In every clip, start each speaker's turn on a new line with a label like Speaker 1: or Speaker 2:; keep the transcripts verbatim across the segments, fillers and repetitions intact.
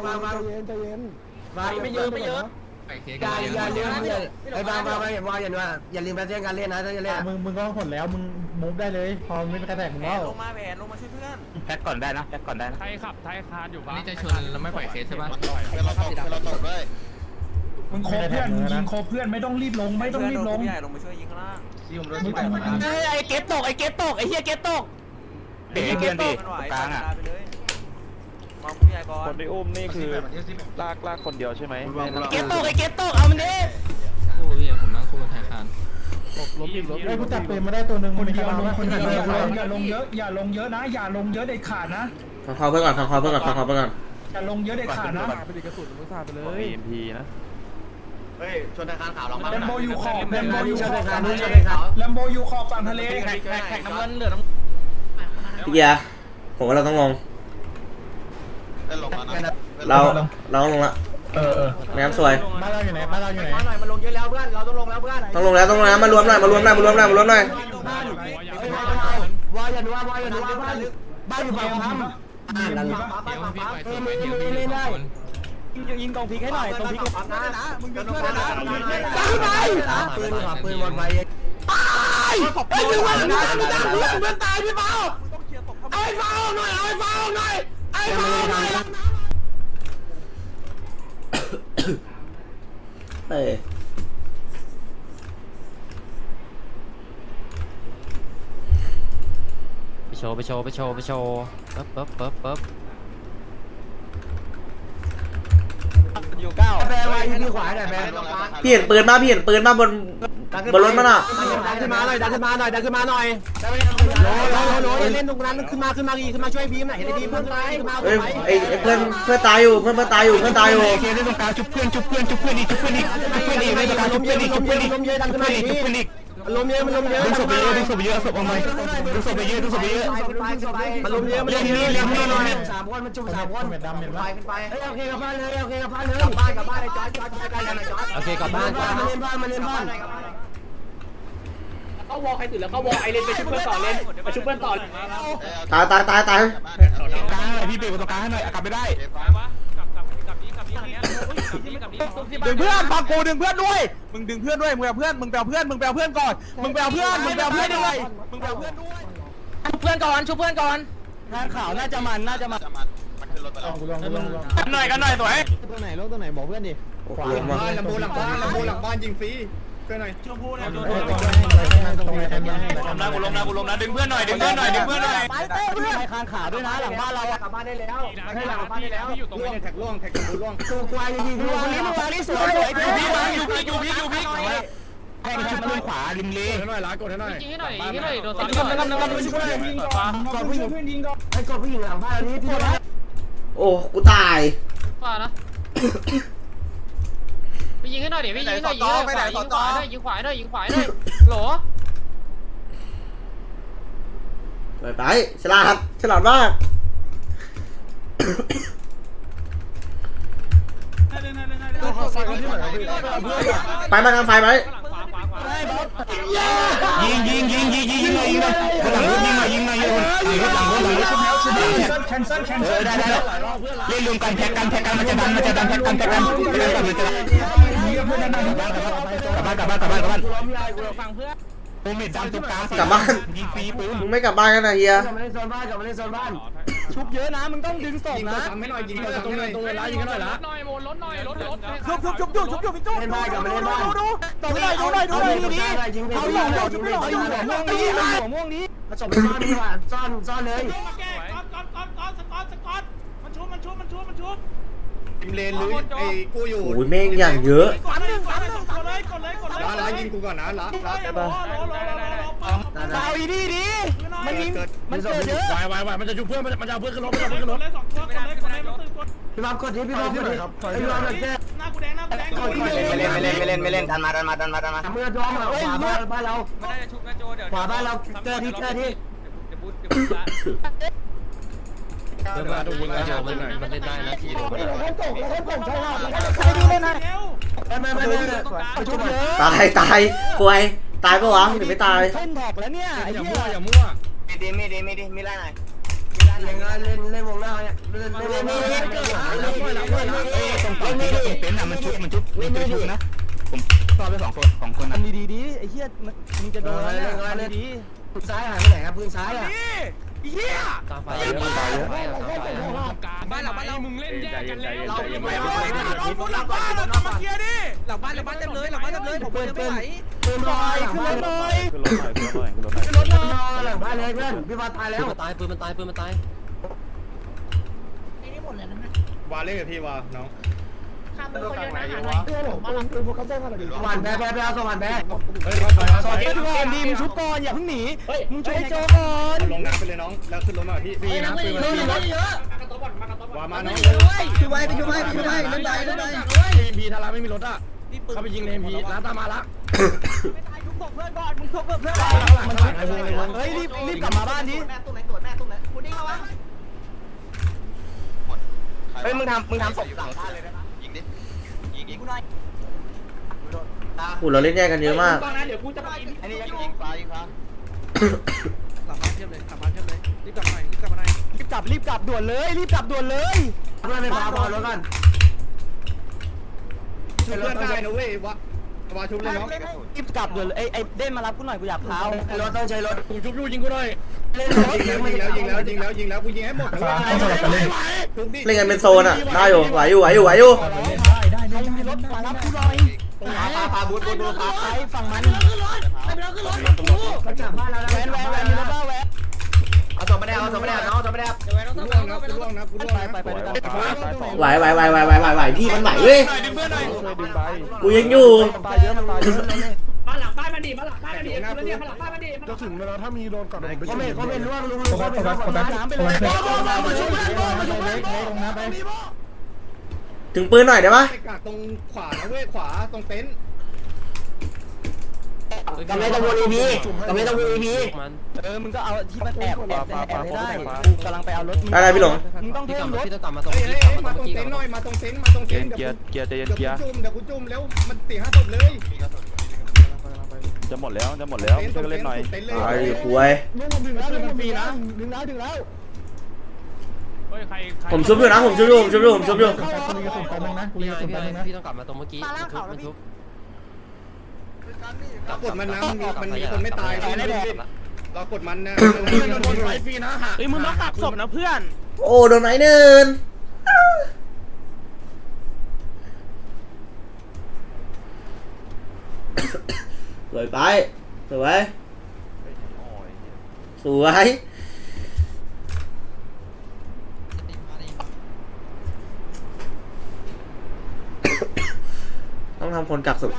Speaker 1: ฟังฟังใจเย็นใจเย็นฟังไม่เยอะไม่เยอะอย่าอย่าลืมไอ้ฟังฟังฟังอย่าว่าอย่าว่าอย่าลืมแพทเทิร์นการเล่นนะถ้าจะเล่นมึงมึงก็ผลแล้วมึงมูฟได้เลยพอไม่เป็นกระแทกมึงแล้วลงมาแผนลงมาช่วยเพื่อนแพ็คก่อนได้นะแพ็คก่อนได้นะไทยขับไทยคานอยู่บ้างนี่จะชนแล้วไม่ปล่อยเคสใช่ป่ะเราตกเราตกด้วย
Speaker 2: มึงโคเพื่อนมึงยิงโคเพื่อนไม่ต้องรีบลงไม่ต้องรีบลง
Speaker 3: ใหญ่ลงมาช่วยยิงข้างล่าง
Speaker 1: ไอ้เก็บตกไอ้เก็บตกไอ้เหี้ยเก็บตกเด็กเก็บตก
Speaker 3: กลางอ่ะมองใหญ่ก่อน
Speaker 4: คนที่อุ้มนี่คือลากลากคนเดียวใช่ไหม
Speaker 1: เก็บตกไอ้เก็บตกเอามันดิ
Speaker 5: โอ้ยผมนั่งคู่ไทยคาน
Speaker 2: ล้มอีกล้มไอ้กูจับเปรมมาได้ตัวหนึ่งคนเดียวลงคนเดียวอย่าลงเยอะอย่าลงเยอะนะอย่าลงเยอะเด็ดขาดนะ
Speaker 6: ฟังคอเพื่อนก่อนฟังคอเพื่อนก่อนฟังคอเพื่อนก่อน
Speaker 2: อย่าลงเยอะเด็ดขาดนะ
Speaker 4: ไปดิกระสุนมึงสาดไปเลย เอ็ม พี นะ
Speaker 3: เฮ้ยชนทางขาวเรามา
Speaker 2: แลมโบยูคอบแลมโบยูคอบ
Speaker 1: ฝั่งทะเล
Speaker 2: แลมโบยูคอบฝั่งทะเล
Speaker 3: แข่งแข่งน้ำเงินเหลือน้
Speaker 6: ำพี่เกียร์ผมว่าเราต้องลงเราเราต้องลงละ
Speaker 2: เออเออ
Speaker 6: แม่น้ำสวย
Speaker 2: บ้านเราอยู่ไหนบ้านเราอยู่ไหน
Speaker 3: มาหน่อยมาลงเยอะแล้วเพื่อนเราต้องลงแล้วเพื่อน
Speaker 6: ต้องลงแล้วต้องลงแล้วมารวมหน่อยมารวมหน่อยมารวมหน่อยมารวมหน่อยว
Speaker 1: ายันวาวายันวาบ้านบ้านอยู่ฝั่งพัมอ่าหลังบ้านฝั่งพัมเออไม่ไม่ไม่ได้ยิงกองพีให้หน่อยกองพีนะนะมึงยิงเพื่อนนะตายไปปืนขับปืนวนไปตายไอ้ที่ว่าเพื่อนเพื่อนตายพี่เปาไอ้เปาหน่อยไอ้เปาหน่อยไอ้เปาหน่อย
Speaker 6: เอ้ย
Speaker 5: ไปโชว์ไปโชว์ไปโชว์ไปโชว์ปึ๊บปึ๊บปึ๊บปึ๊บ
Speaker 3: อยู่เก้า
Speaker 1: แปลว่าที่ขวาหน่อยแปล
Speaker 6: พี่เห็นปืนมาพี่เห็นปืนมาบนบนรถมันอ่ะ
Speaker 1: ดันขึ้นมาหน่อยดันขึ้นมาหน่อยดันขึ้นมาหน่อยโน้โน้โน้เล่นตรงนั้นขึ้นมาขึ้นมาอีกขึ้นมาช่วยบีมหน่อยเห็นบีมเพื่อนตายขึ้นมา
Speaker 6: เอ้ยไอ้เพื่อนเพื่อนตายอยู่เพื่อนเพื่อนตายอยู่เพื่อนตายอยู่
Speaker 1: เคเล่นตรงกลางชุบเพื่อนชุบเพื่อนชุบเพื่อนอีกชุบเพื่อนอีกชุบเพื่อนอีกในตรงกลางชุบเพื่อนอีกชุบเพื่อนอีกลมเยอะดันขึ้นมาอีกชุบเพื่อนอีกลมเยอะมันลมเยอะดึงศพไปเยอะดึงศพไปเยอะศพออกมาดึงศพไปเยอะดึงศพไปเยอะมันลมเยอะมันลมเยอะเลี้ยงนี่เลยสามคนมันจุ่มสามคนดำเห็นปะขึ้นไปเฮ้ยโอเคกับบ้านเลยโอเคกับบ้านเลยกลับบ้านกลับบ้านไอ้จอร์จจอร์จใกล้ๆกันไอ้จอร์จ
Speaker 5: โอเคกลับบ้าน
Speaker 1: มาเล่นบ้านมาเล่นบ้าน
Speaker 3: เข้าวอลใครตื่นแล้วเข้าวอลไอเลนไปชุบเพื่อนต่อเลนไปชุบเพื่อนต่อ
Speaker 6: ตายตายตายตาย
Speaker 1: กลางหน่อยพี่เบรกตรงกลางให้หน่อยกลับไม่ได้
Speaker 3: ดึงเพื่อนฟังกูดึงเพื่อนด้วยมึงดึงเพื่อนด้วยมึงเอาเพื่อนมึงแปลเพื่อนมึงแปลเพื่อนก่อนมึงแปลเพื่อนมึงแปลเพื่อนด้วยมึงแปลเพื่อนด้วย
Speaker 5: ชุบเพื่อนก่อนชุบเพื่อนก่อน
Speaker 1: งานข่าวน่าจะมันน่าจะมัน
Speaker 2: ลองลองลองลอง
Speaker 3: กันหน่อยกันหน่อยสวย
Speaker 1: ตัวไหนลงตัวไหนบอกเพื่อนดิ
Speaker 6: ขวาบ้าน
Speaker 3: ลำบูหลังบ้านลำบูหลังบ้านยิงฟรีเพื่อนหน่อยชมพูนะชมพูลมนะกูลมนะกูลมนะดึงเพื่อนหน่อยดึงเพื่อนหน่อยดึงเพื่อนหน่อย
Speaker 1: ไปเต้เพื่อนคานขาด้วยนะหลังบ้านเรากลับบ้านได้แล้วให้หลังบ้านได้แล้ว
Speaker 3: ล่วงแท็กล่วงแท็กกระดูล่วง
Speaker 1: ตัวควายยิงตัวนี้ตัวนี้สวยสวยอยู่พี่
Speaker 3: อยู่พี่อยู่พี่อยู่พี่
Speaker 1: แทงชุดเพื่อนขวาริมเล
Speaker 3: ให้หน่อยล้ากดให้หน่อย
Speaker 5: ยิงให้หน่อยยิงให้หน่อยโดน
Speaker 1: กดกดกดช่วยยิงก่อนกดผู้หญิงให้กดผู้หญิงหลังบ้านนี้พี่นะ
Speaker 6: โอ้กูตาย
Speaker 5: ฝ่านะไปยิงให้หน่อยเดี๋ยวไปยิงให้หน่อยยิงขวายิงขวาหน่อยยิงขวาหน่อยยิงขวาหน่อยโหล
Speaker 6: ไปไปฉลาดฉลาดมากไปมาทางไฟไหม
Speaker 1: ยิงยิงยิงยิงยิงยิงยิงยิงหลังรถยิงหน่อยยิงหน่อยยิงหลังรถหลังรถหลังรถ
Speaker 2: แคนเซิลแคนเซิล
Speaker 1: ได้ได้เล่นรวมกันแพ็กกันแพ็กกันมันจะดันมันจะดันแพ็กกันแพ็กกันแพ็กกันมันจะกลับบ้านกลับบ้านกลับบ้านกลับบ้าน
Speaker 3: ฟังเพื่อน
Speaker 1: โอเมดดันตรงกลาง
Speaker 6: กลับบ้าน
Speaker 1: ยิงฟรีปืน
Speaker 6: มึงไม่กลับบ้านกันนะเฮีย
Speaker 1: กลับมาเล่นโซนบ้านกลับมาเล่นโซนบ้านชุบเยอะนะมึงต้องดึงศพนะ
Speaker 3: ทำให้หน่อยยิงตรงเลยตรงเวลายิงกันหน่อยละ
Speaker 5: หน่อยโมลดหน่อยลดลด
Speaker 3: ชุบชุบชุบชุบชุบชุบพี่จุ๊บ
Speaker 1: เล่นบ้านกลับมาเล่นบ้าน
Speaker 3: ดูดูดูหน่อยดูหน่อยดูหน่อยดูนี่
Speaker 1: เอาอยู่ชุบไม่หน่อยอยู่หัวม่วงนี้หัวม่วงนี้ผสมซ่อนดีกว่าซ่อนซ่อนเลย
Speaker 3: ก้อนก้อนก้อนก้อนสกอตสกอตมันชุบมันชุบมันชุบมันชุบยิงเลนหรือไอ้กูอยู่
Speaker 6: โอ้ยแม่งอย่างเยอะ
Speaker 3: ฝันหนึ่งฝันหนึ่งกดเลยกดเลยกดเลยล้าล้ายิงกูก่อนนะล้าล้าได้ปะ
Speaker 1: เอาอีดีดีมันยิงมันเกิดเยอะ
Speaker 3: วายวายวายมันจะชุบเพื่อนมันมันจะเอาเพื่อนขึ้นรถมันจะเอาเพื่อนขึ้นรถเลยสองตัวกดเลยกดเลยมันตื่นกด
Speaker 1: พี่บ๊อบกดดิพี่บ๊อบกดดิพี่บ๊อบแค่
Speaker 3: หน้ากูแดงหน้ากูแดง
Speaker 1: ไม่เล่นไม่เล่นไม่เล่นไม่เล่นดันมาดันมาดันมาดันมาเมื่อร้องขวาบ้านบ้านเรา
Speaker 3: ไม่ได้ชุบกระโจเดี๋ยว
Speaker 1: ขวาบ้านเราเจอที่เจอที่
Speaker 3: เดี๋ยวบูทเดี๋ยวบูทละ
Speaker 5: เดินมาดูยิงกระโจมันมันเล่นได้นะทีเดียวมัน
Speaker 1: เล่นตกเล่นตกใช่ไหมใช่ดีเลยนะไม่ไม่ไม่ไม่ชุบเยอะ
Speaker 6: ตายตายป่วยตายปะวะหรือไม่ตาย
Speaker 1: เล่นแท็กแล้วเนี่ย
Speaker 3: อย่ามั่วอย่ามั่ว
Speaker 1: ไม่ดีไม่ดีไม่ดีไม่ไล่หน่อยเล่นเล่นวงหน้าเนี่ยเล่นเล่นเล่นเล่นเล่นเล่นเล่นตรงเต็นท์อ่ะมันชุบมันชุบมันชุบนะผมต่อไปสองคนสองคนนะดีดีดีไอ้เหี้ยมึงจะโดนอะไรดีปืนซ้ายหายไปไหนครับปืนซ้ายอ่ะเหี้ย
Speaker 5: ตามไฟเยอะตามไฟเยอะตามไฟเยอะ
Speaker 7: บ้านหลังบ้านเรามึงเล่นแยกกันแล้ว
Speaker 3: เราไม่ไหวเราหลังบ้านเราต้องมาเคลียร์ดิ
Speaker 1: หลังบ้านหลังบ้านเต็มเลยหลังบ้านเต็มเลยผมเปิดไม่ไหวปืนลอยขึ้นรถหน่อย
Speaker 4: ขึ้นรถหน่อยขึ้นรถหน่อยขึ้นรถหน่อย
Speaker 1: ขึ้นรถหน่อยหลังบ้านเลยเพื่อนพี่บอลตายแล้ว
Speaker 5: ปืนมันตายปืนมันตายปืนมันตาย
Speaker 3: วาเล่กับพี่วาน้อง
Speaker 1: สวรรค์แพ้แพ้แพ้สวรรค์แพ้
Speaker 3: เฮ้ยรถไฟ
Speaker 1: สวรรค์ก่อนดีมึงชุบก่อนอย่าเพิ่งหนีมึงช่วยโจก่อน
Speaker 3: ลงน้ำไปเลยน้องแล้วขึ้นรถมาพี่ฟรีนะปืนมันฟรีรถวามาน้อง
Speaker 1: ช่วยไว้ไปช่วยไว้ไปช่วยไว้เล่นไปเล่นไป
Speaker 3: เอ็มพีถ้าเราไม่มีรถอ่ะเขาไปยิงในเอ็มพีร้านตามมาละ
Speaker 1: เฮ้ยรีบรีบกลับมาบ้านดิเฮ้ยมึงทำมึงทำศพหลังบ้านเลยนะยิงดิยิงยิงกูหน่อย
Speaker 6: โอ้เราเล่นแยกกันเยอะมาก
Speaker 1: เดี๋ยวกูจะไปอันนี้ยิงยิงฟ้ายิงฟ้า
Speaker 7: หลังบ้านเทียบเลยหลังบ้านเทียบเลยรีบกลับมารีบกลับมาหน่อย
Speaker 1: รีบกลับรีบกลับด่วนเลยรีบกลับด่วนเลยเพื่อนไม่พาพอแล้วกัน
Speaker 3: ชุบเพื่อนได้นะเว้ยวะวาชุบเลยน้อง
Speaker 1: รีบกลับด่วนเลยไอ้ไอ้เด่นมารับกูหน่อยกูอยากเท้ารถต้องใช้รถ
Speaker 3: กูชุบยูยิงกูหน่อย
Speaker 1: เล่นรถ
Speaker 3: ยิงแล้วยิงแล้วยิงแล้วยิงแล้วยิงแล้วกูยิงให้หมด
Speaker 2: ฟ้าต้องสลับกันเล่น
Speaker 6: เล่นกันเป็นโซนอ่ะได้อยู่ไหวอยู่ไหวอยู่ไหวอยู่
Speaker 2: ได้ได้
Speaker 1: ใคร
Speaker 2: ได้
Speaker 1: มีรถมารับกูหน่อย
Speaker 3: พาพาบูทบูทบูทพา
Speaker 1: ใครฝั่งมันกระจับบ้านแล้วแวนแวนแวนมีรถบ้าแวนเอาศพไม่ได้เอาศพไม่ได้น้องศพไม่ได้
Speaker 3: กูล่วงนะกูล่วงนะกูล่วง
Speaker 1: ไป
Speaker 3: นะ
Speaker 1: ไปไปด้วยกัน
Speaker 6: ไหวไหวไหวไหวไหวไหวไหวพี่มันไหวเว้ย
Speaker 3: ดึงเพื่อนหน่อย
Speaker 4: ช่วยดึงไป
Speaker 6: กูยังอยู่
Speaker 1: ตายเยอะมันตายเยอะ
Speaker 7: บ้านหลังบ้านมันดีบ้านหลังบ้านมันดีแล้วเนี่ยบ้านหลังบ้านมันดี
Speaker 2: จะถึงเวลาถ้ามีโดนก่อนผมไป
Speaker 1: เขา
Speaker 2: ช่วย
Speaker 1: เป็นเขาเป็นล่วงลุง
Speaker 2: โฟกั
Speaker 1: เขา
Speaker 2: ส
Speaker 1: เป็น
Speaker 2: โฟกัสโฟกัส
Speaker 1: น้ำไป
Speaker 2: โฟ
Speaker 1: เลย
Speaker 2: กัสมาช่วยมาช่วยเล็กเล็กลงน้ำไป
Speaker 6: ถึงปืนหน่อยได้ปะ
Speaker 3: ไปกักตรงขวานะเว้ยขวาตรงเต็นท์
Speaker 1: กำลังจะวนอีพีกำลังจะวนอีพี
Speaker 5: มัน
Speaker 1: เออมึงก็เอาที่มันแอบแอบแอบไม่ได้กูกำลังไปเอารถมึง
Speaker 6: อะไรพี่หลง
Speaker 1: มึงต้อง
Speaker 5: พี่
Speaker 1: เพิ่
Speaker 5: กลับ
Speaker 1: มร
Speaker 5: มา
Speaker 1: ถ
Speaker 5: พี่ต้องกลับมาตรง
Speaker 3: เฮ้ย
Speaker 5: เมื่อ
Speaker 3: เฮ้
Speaker 5: กี้
Speaker 3: ย
Speaker 5: กลับมา
Speaker 3: มา
Speaker 5: ตรง
Speaker 3: ตรง
Speaker 5: เมื่อกี้
Speaker 3: เต็นท์ห
Speaker 5: ก่
Speaker 3: น่
Speaker 5: อ
Speaker 3: อน ยมาตรงเต็นท์มาตรง
Speaker 4: เกี
Speaker 3: เต็
Speaker 4: ย
Speaker 3: น
Speaker 4: ร์
Speaker 3: ท์
Speaker 4: เกียร์เกียร์
Speaker 3: เดี๋ยวกูจุ่มเดี๋ยวกูจุ่มแล้วมันสี่ห้าศพเลย
Speaker 4: จะหมดแล้วจะหมดแล้วช่วยกันเล่นหน่อย
Speaker 3: เต็นท์เลย
Speaker 6: ไอ้คุย
Speaker 1: ดึงดึงแล้วดึงฟรีนะดึงแล้วดึงแล้ว
Speaker 7: เฮ้ยใคร
Speaker 6: ผมชุบอยู่นะผมชุบอยู่ผมชุบอยู่ผมชุบอยู่
Speaker 2: กูมีกระสุนแป๊บนึงนะกูมี
Speaker 5: พี่
Speaker 2: กระสุน
Speaker 5: พี่
Speaker 2: แป๊บนึงนะ
Speaker 5: พี่ต้องกลับมาตรงเมื่อกี้มันทุบมันทุบ
Speaker 3: เรากดมันนะมันมีมันมีคนไม่ตายเรากดมันนะ
Speaker 1: โดนไฟฟรีนะฮะ
Speaker 3: เฮ้ยมึงต้องกักศพนะเพื่อน
Speaker 6: โอ้โดนไหนเนินสวยไปสวยสวยต้องทำคนกักสุด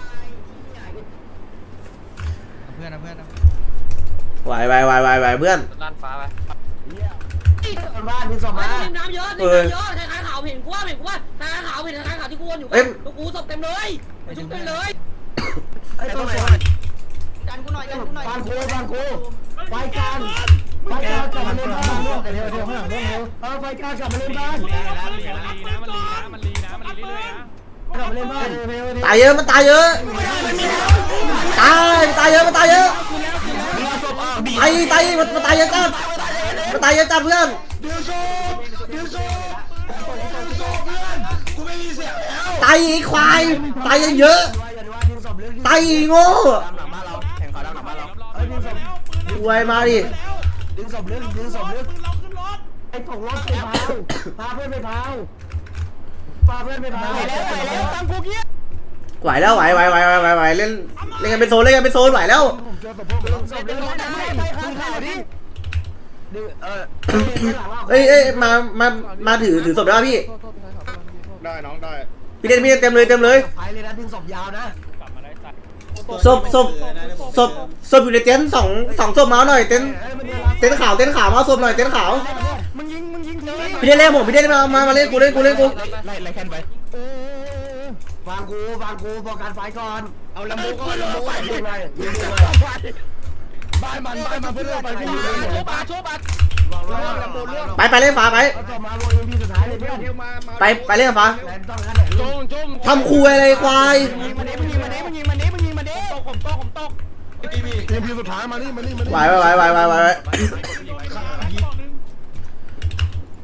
Speaker 1: เพื่อนนะเพื่อนนะ
Speaker 6: ไหวไหวไหวไหวไหวเพื่อน
Speaker 5: ล้านฟ้าไป
Speaker 1: บ้านมึงส่งมา
Speaker 8: น้ำเยอะน้ำเยอะทางขาวเห็นกูว่าเห็นกูว่าทางขาวเห็นทางขาวที่กูวนอยู่กูกูศพเต็มเลยชุบเต็มเลย
Speaker 1: ไอ้ตรงไหน
Speaker 8: กันกูหน่อยกันกูหน่อย
Speaker 1: บ้านกูบ้านกูไฟการไฟการกลับมาเล่นบ้าน
Speaker 2: เดี๋ยวเดี๋ยวข้างหลังเรื่องเร็ว
Speaker 1: เออไฟการกลับมาเล่นบ้าน
Speaker 7: มันลีนะมันลีนะมันลีนะมันลีเรื่อยๆนะ
Speaker 1: กลับมาเล่นบ้าน
Speaker 6: ตายเยอะมันตายเยอะตายตายเยอะมันตายเยอะตายตายมันมันตายเยอะจัดมันตายเยอะจัดเพื่อน
Speaker 1: ดิวโซ่ดิวโซ่ดิวโซ่เพื่อนกูไม่มีเสียงแล้ว
Speaker 6: ตายอีกควายตายเยอะตายอีโง่
Speaker 1: หลังบ้านเราแข่งขาหลังบ้านเราเอ้ยดึงศพ
Speaker 6: รวยมาดิ
Speaker 1: ดึงศพลึกดึงศพลึกไอ้ตกรถไปพาวพาเพื่อนไปพาวพาเพื่อนไปพาวไปแล้วไปแล้วตั้งกูเงี้ย
Speaker 6: ไหวแล้วไหวไหวไหวไหวไหวไหวเล่นเล่นกันเป็นโซนเล่นกันเป็นโซนไหวแล้ว
Speaker 2: ผมเจอศพพวก
Speaker 1: ดึงศพลึกไม่ไม่ข้างข่าวดิดึงเออ
Speaker 6: เอ้ยเอ้ยมามามาถือถือศพได้ป่ะพี่
Speaker 3: ได้น้องได้
Speaker 6: พี่เล่นพี่เล่นเต็มเลยเต็มเลย
Speaker 1: ไฟเลยนะดึงศพยาวนะ
Speaker 6: ศพศพศพศพอยู่ในเต็นท์สองสองศพมาหน่อยเต็นท์เต็นท์ขาวเต็นท์ขาวมาศพหน่อยเต็นท์ขาว
Speaker 1: มึงยิงมึงยิงที
Speaker 6: พี่เล่นเล่นผมพี่เล่นมามามาเล่นกูเล่นกูเล่นกู
Speaker 1: ไล่ไล่แคนไปฟังกูฟังกูบอกการไฟก่อน
Speaker 3: เอาลำโบก่อนลำโบก่อน
Speaker 1: ยิงเลยยิงเลย
Speaker 2: บ้านมันบ้านมันเพื่อนไปพี่
Speaker 1: ชุบบัตรชุบบัตร
Speaker 3: ลำโบล่วง
Speaker 6: ไปไปเล่นฟ้าไป
Speaker 1: เอาจบมาโวยพีสุดท้ายเลยเพื่อน
Speaker 3: เดี๋ยวมามา
Speaker 6: ไปไปเล่นฟ้า
Speaker 1: แลนต้องนั่นแหละลุง
Speaker 6: ทำคุยอะไรควาย
Speaker 1: ยิงมาเด้มึงยิงมาเด้มึงยิงมาเด้มึงยิงมาเด้ตกผมตกผมตก
Speaker 2: ทีมพีสุดท้ายมานี่มานี่มานี่
Speaker 6: ไหวไหวไหวไหวไหวไหว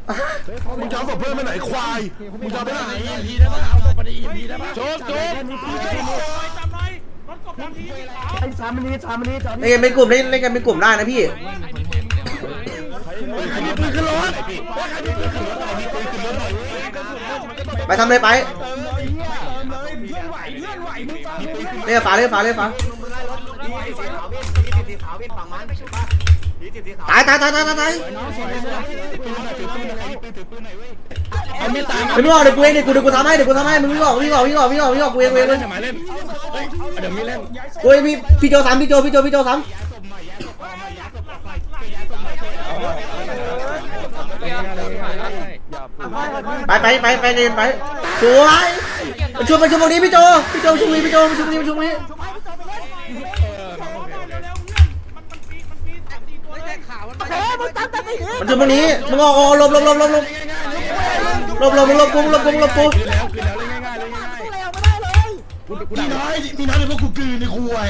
Speaker 1: มึงจะเอาศพเพื่อนไปไหนควายมึงจะเอาไปไหน
Speaker 5: พีได้ปะเอาศพไปในอีพีได้ปะ
Speaker 1: โจ๊กโจ๊ก
Speaker 6: เล่นกันเป็นกลุ่มเล่นเล่นกันเป็นกลุ่มได้นะพี่
Speaker 1: ใครมีปืนขึ้นรถ
Speaker 6: ไปทำเลยไป
Speaker 2: เติมเลยเติมเลยเพื่อนไหวเพื่อนไหวมึงเติมเลย
Speaker 6: เล่นฟ้าเล่นฟ้าเล่นฟ้าตายตายตายตายตาย
Speaker 1: เอามีดตาย
Speaker 6: ไม่ออกเดี๋ยวกูเองเดี๋ยวกูเดี๋ยวกูทำให้เดี๋ยวกูทำให้มึงวิ่งออกวิ่งออกวิ่งออกวิ่งออกวิ่งออกกูเองกูเอง
Speaker 1: เล่นหมายเล่นเฮ้ยเดี๋ยวมีเล่น
Speaker 6: กูเองพี่พี่โจสามพี่โจพี่โจพี่โจสามไปไปไปไปเรียนไปสวยประชุมประชุมตรงนี้พี่โจพี่โจประชุมนี้พี่โจประชุมนี้ประชุมนี้ มันจะตรงนี้มึงออกออกหลบหลบหลบหลบหลบหลบหลบหลบกูหลบกูหลบกู
Speaker 1: คือแล้วคือแล้วเลยง่ายๆเลยง่ายๆกูน้อยมีน้อยเลยพวกกูกืนในคุย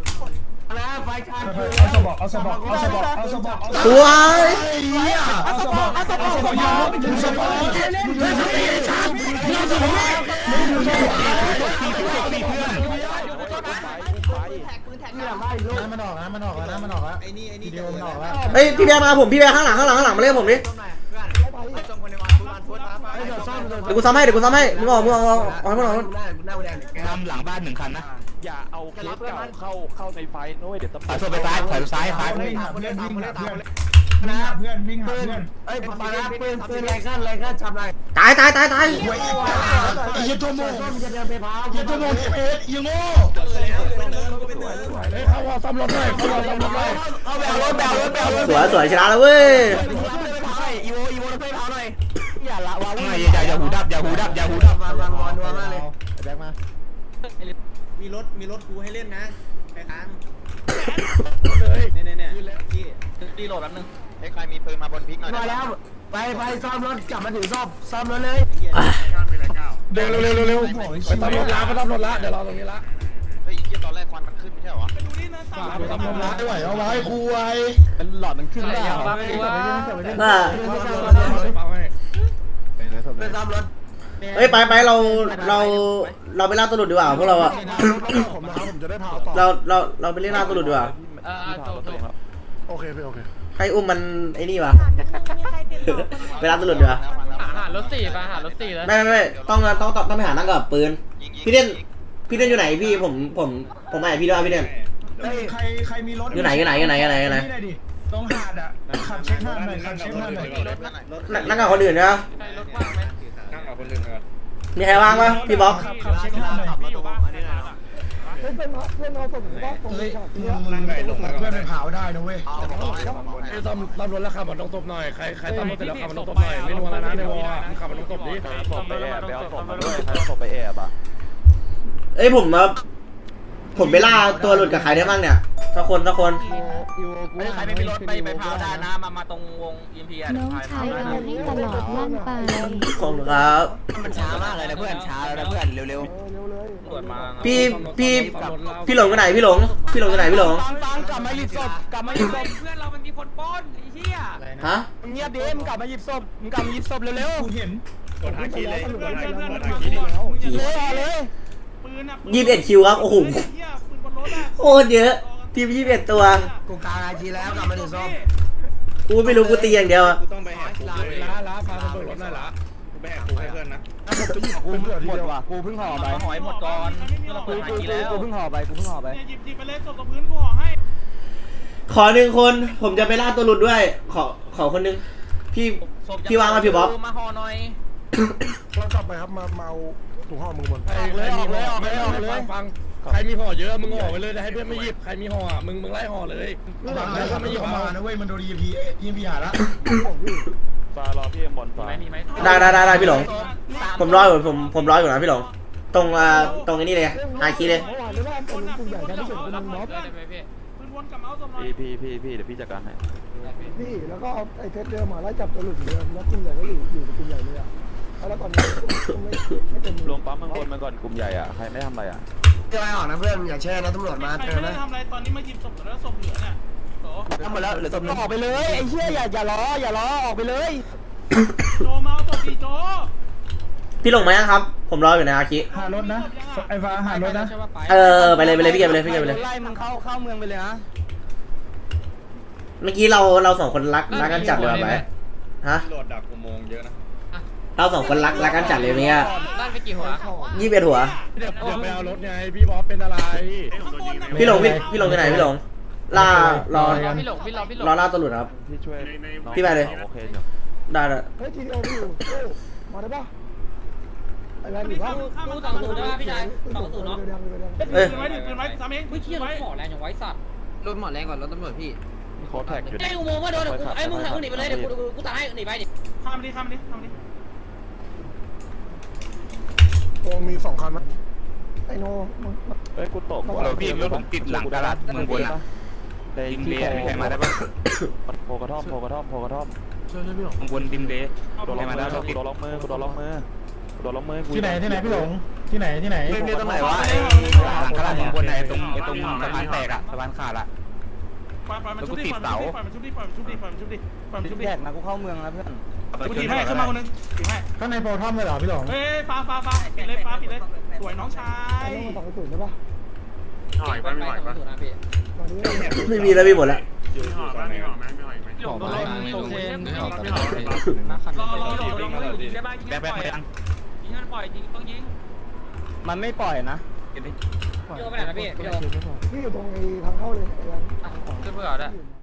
Speaker 2: เอาสบอกเอาสบอกเอาสบอกเอาสบอกเอา
Speaker 6: สวย
Speaker 2: เอาสบอกเอาสบอกเอาสบอกยาวมึงสบอกมันออกนะมันออกแล้วนะมันออกแล้วไอ้นี่ไอ้นี่เดียวมันออกแล้ว
Speaker 6: เฮ้ยพี่แบร์มาผมพี่แบร์ข้างหลังข้างหลังข้างหลังมาเล่นผมดิเดี๋ยวกูซ้ำให้เดี๋ยวกูซ้ำให้มึงออกมึงออกออกออกให้มึงออก
Speaker 3: นำหลังบ้านหนึ่งคันนะ
Speaker 4: อย่าเอาเคสเก่าเข้าเข้าในไฟนู้นเดี๋ยวตำรว
Speaker 3: ถอย
Speaker 4: จ
Speaker 3: โซไปซ้ายถอยซ้ายซ้าย
Speaker 2: เพื่อนหาเพื่อนวิ่งหาเพื่อนนะเพื่อนวิ่งหาเพื่อนเอ้ยปานะเพื่อนเพื่อนอะไรกันอะไรกันทำอะไร
Speaker 6: ตายตายตายตาย
Speaker 1: ไอ้ยันตัวโม่ยันตัวโม่เอ็ดยังโง่เฮ้ยเข้าวอซ้ำรถเลยเข้าวอซ้ำรถเลย
Speaker 3: เอาแบวรถแบวรถแบวรถ
Speaker 6: สวยสวยชนะแล้วเว้ย
Speaker 3: อีโวอีโวรถไฟเผาหน่อยอย่าละวาวุ่นอย่าอย่าหูดับอย่าหูดับอย่าหูดับ
Speaker 2: วางวางวางนัวมากเลย
Speaker 1: แบกมา
Speaker 7: มีรถมีรถกูให้เล่นนะไปค้าง
Speaker 1: เลย
Speaker 7: เนี่ยเนี่ยเนี่ยพี่
Speaker 3: รีโหลดแป๊บนึงเฮ้ยใครมีปืนมาบนพิกหน่อย
Speaker 2: มาแล้วไปไปซ่อมรถกลับมาถึงซ่อมซ่อมรถเลย
Speaker 1: เร็วเร็วเร็วเร็วไปตำรวจละไปตำรวจละเดี๋ยวรอตรงนี้ละ
Speaker 3: เฮ้ยที่ตอนแรกควันมันขึ้นไม่ใช่เหรอ
Speaker 1: ไปตำรวจละไม่ไหวเอาไว้คุย
Speaker 3: เป็นหลอดมันขึ้นแล้ว
Speaker 6: น่า
Speaker 2: ไปซ่อมรถ
Speaker 6: เฮ้ยไปไปเราเราเราไปล่าตัวหลุดดีกว่าพวกเราอะ
Speaker 1: ผมนะครับผมจะได้พาต่อ
Speaker 6: เราเราเราไปเล่นล่าตัวหลุดดีกว่า
Speaker 5: เออจบจบ
Speaker 1: โอเคพี่โอเค
Speaker 6: ใครอุ้มมันไอ้นี่วะไปล่าตัวหลุดดีกว่า
Speaker 5: หารถสี่ไปหารถสี่แล้ว
Speaker 6: ไม่ไม่ไม่ต้องต้องต้องต้องไปหานั่งกับปืนพี่เล่นพี่เล่นอยู่ไหนพี่ผมผมผมมาหาพี่ด้วยพี่เล่น
Speaker 2: เฮ้ยใครใครมีรถ
Speaker 6: อยู่ไหนอยู่ไหนอยู่ไหนอยู่ไหนอยู่ไหน
Speaker 2: ดิตรงหาดอ่ะขับเช็คหน้าหน่อยขับเช็คหน้าหน่อย
Speaker 6: นั่งนั่งกับคนอื่นนะ
Speaker 5: ใครรถว่างไหม
Speaker 6: มีใครว่างปะพี่บ๊อบ
Speaker 2: ขับขับเช็คหน้าหน่อย
Speaker 1: เฮ้ยเพื่อนไปเผาได้นะเว้ยตำตำรวจแล้วขับมันต้องตบหน่อยใครใครตำรวจเสร็จแล้วขับมันต้องตบหน่อยไม่นัวแล้วนะในวอลมึงขับมันต้องตบดิ
Speaker 4: ศพไปแอบไปเอาศพมาด้วยใครเอาศพไปแอบอ่ะ
Speaker 6: เอ้ยผมมาผมไปล่าตัวหลุดกับใครได้บ้างเนี่ยสักคนสักคน
Speaker 3: ใครไม่มีรถไปไปเผาได้นะมามาตรงวงอินเทีย
Speaker 9: น้องชายเอาให้ตลอดลั่นไป
Speaker 6: ขอบคุณครับ
Speaker 3: มันช้ามากเลยนะเพื่อนช้าแล้วนะเพื่อนเร็วๆตรวจมา
Speaker 6: พี่พี่พี่หลงอยู่ไหนพี่หลงพี่หลงอยู่ไหนพี่หลง
Speaker 3: ฟังกลับมาหยิบศพกลับมาหยิบศพ
Speaker 5: เพื่อนเรามันมีคนป้อนไอ้เหี้ย
Speaker 6: ฮะ
Speaker 3: มึงเงียบดิมึงกลับมาหยิบศพมึงกลับมาหยิบศพเร็ว
Speaker 2: กูเห็น
Speaker 1: กดหาคีเลยกดหาคีกดหาคี
Speaker 3: ๆเลยเลย
Speaker 6: ยี่สิบเอ็ดคิวครับโอ้โหโคตรเยอะทีมยี่สิบเอ็ดตัว
Speaker 2: กูกลางไอทีแล้วกลับมาถึงซ่อม
Speaker 6: กูไม่รู้กูตีอย่างเดียวอะ
Speaker 1: ต้องไปแหกคุกเลยล้าล้าพาไปเบิกรถได้ละกูไปแหกคุกให้เพื่อนนะผมจะหยิบกูหมดว่ะกูเพิ่งห่อไป
Speaker 3: หอยหมดก่อนเราเปิดหากีแล้ว
Speaker 1: กูเพิ่งห่อไปกูเพิ่งห่อไป
Speaker 5: หยิบหยิบไปเลยศพกับพื้นกูห่อให้
Speaker 6: ขอหนึ่งคนผมจะไปล่าตัวหลุดด้วย ขอขอคนหนึงพี่พี่วางมาพี่บ๊อบ
Speaker 3: มาห่อหน่อย
Speaker 1: เรากลับไปครับมาเมาถุงห่อมึงบนออกเลยออกเลยออกเลยออกเลยฟังใครมีห่อเยอะมึงห่อไปเลยให้เพื่อนไม่หยิบใครมีห่อมึงมึงไล่ห่อเลยบางแล้วก็ไม่หยิบมานะเว้ยมันโดน อี เอ็ม พี อี เอ็ม พี หาละ
Speaker 4: ฟารอพี่เอ็มบอลฟา
Speaker 5: มีไหม
Speaker 6: ได้ได้ได้ได้พี่หลงผมรออยู่ผมผมรออยู่นะพี่หลงตรงอ่าตรงไอ้นี่เลยอาคีเลย
Speaker 5: ปืนวนกลับมาเอาศพหน่อย
Speaker 4: พี่พี่พี่พี่เดี๋ยวพี่จัดการให้
Speaker 2: พี่แล้วก็เอาไอ้เทสเดิมมาไล่จับตัวหลุดเดิมแล้วกลุ่มใหญ่ก็อยู่อยู่กับกลุ่มใหญ่เลยอ่ะแล้วตอนนี้ไม่ไม่เป็น
Speaker 4: รวมปั๊มข้างบนมาก่อนกลุ่มใหญ่อ่ะใครไม่ทำอะไรอ่ะ
Speaker 2: จะไปออกนะเพื่อนอย่าแช่นะตำรวจมา
Speaker 5: ใคร
Speaker 2: เจอ
Speaker 5: ไม่
Speaker 2: นะ
Speaker 5: ได้ทำอะไรตอนนี้มาหยิบศพแล้วศพเหลือเนี่ยโต
Speaker 3: ทำหมดแล้วเหลือศพออกไปเลยไอ้เชี่ยอย่าอย่ารออย่ารอออกไปเลยโจเมาตบดีโจ
Speaker 6: พี่ลงไหมครับ ผมรออยู่นะอาคิ
Speaker 3: หารถนะไอ้ฟ้าหารถนะ
Speaker 6: เออไปเลยไปเลยพี่เกมไปเลยพี่เกมไปเลย
Speaker 1: ไล่มึงเข้าเข้าเมืองไปเลยนะ
Speaker 6: เมื่อกี้เราเราสองคนรักรักกันจัดเลยว่ะไปฮะ
Speaker 5: โหลดดักอุโมงค์เยอะนะ
Speaker 6: เราสองคนรักรักกันจัดเลยเมื่อกี้
Speaker 5: ด้านไปกี่หัว
Speaker 6: ยี่สิบเอ็ดหัว
Speaker 3: เดี๋ยวเดี๋ยวไปเอารถไงพี่บอสเป็นอะไร
Speaker 6: พี่หลงพี่พี่หลงอยู่ไหนพี่หลงล่ารอ
Speaker 5: พี่หลงพี่รอพี่หลง
Speaker 6: รอล่าตัวหลุดครับ
Speaker 4: พี่ช่วย
Speaker 6: พี่ไปเลย
Speaker 4: โอเคอยู่
Speaker 6: ได้เลย
Speaker 2: เฮ้ยทีเดียวพี่อยู่โอ้มาได้ปะไอ้แวนอยู่ปะ
Speaker 8: กูสองศูนย์ได้ป่ะพี่ชายสองศูนย์เนาะ
Speaker 2: เดี๋ยวเดี๋ยวเดี๋ยว
Speaker 6: เอ้ย
Speaker 3: ปืนไว้ดิปืนไว้ซ้ำเอง
Speaker 8: เฮ้ยเชี่ยรถหมอแรงอย่างไว้สัตว์
Speaker 5: รถหมอแรงกว่ารถตำรวจพี่
Speaker 4: โค้ดแท็กอยู่
Speaker 8: ไอ้อุโมงค์ว่าโดนกูไอ้มึงหนีไปเลยเดี๋ยวกูกูตายหนีไปดิ
Speaker 3: ข้ามดิข้ามดิข้ามดิ
Speaker 2: โอ้มีสองคันมั้ยไอ้โนมึง
Speaker 4: เอ้ยกูตก
Speaker 2: เราพี่รถผม
Speaker 4: ติดหลังตลาดเมืองบนอะในที่ใครมาได้ปะโพกระท่อมโพกระท่อมโพกระท่อม
Speaker 3: ข้างบนดิมเดย์
Speaker 4: โดนล็อกมือกูโดนล็อกมือกูโดนล็อกมือกูโดนล็อกมือ
Speaker 3: ที่ไหนที่ไหนพี่หลงที่ไหนที่ไหน
Speaker 4: เล่นตรงไหนวะ
Speaker 3: หลังกระดาษบนไหนตรงไอ้ตรงสะพานแตกอะสะพานขาดอะแล้วกูติดเสา
Speaker 1: ชุบแยกนะกูเข้าเมืองแล้วเพื่อน
Speaker 3: กูตีให้ขึ้นมาคนนึงตีให้
Speaker 2: ข้างในโปรทอมเลยเหรอพี่หลง
Speaker 3: เฮ้ยฟ้าฟ้าฟ้าปิดเลยฟ้าปิดเลยสวยน้องชา
Speaker 2: ไอ้
Speaker 3: ย
Speaker 2: โนมันสองศูนย์ใช่ปะ
Speaker 5: หน่อยไปไม่ไหวปะ
Speaker 2: มาดิ
Speaker 6: ไม่มีแล้วพี่หมดแล้ว
Speaker 5: อยู่อยู่ตอนไหนก่อนไหมไม่ไหวไหม
Speaker 3: หลงโดนลงตรงเซน
Speaker 5: ไม่ออกตลอด
Speaker 3: รอรอรอยิงได้บ้างยิงได้ปล่อยยิงให้ปล่อยยิงต้องยิง
Speaker 1: มันไม่ปล่อยนะ
Speaker 8: โยไปไหนนะพี่พี่โย
Speaker 2: พี่อยู่ตรงไอ้ทางเข้าเลยไอ้แวน
Speaker 5: ขึ้นเพื่อได้
Speaker 2: อยู่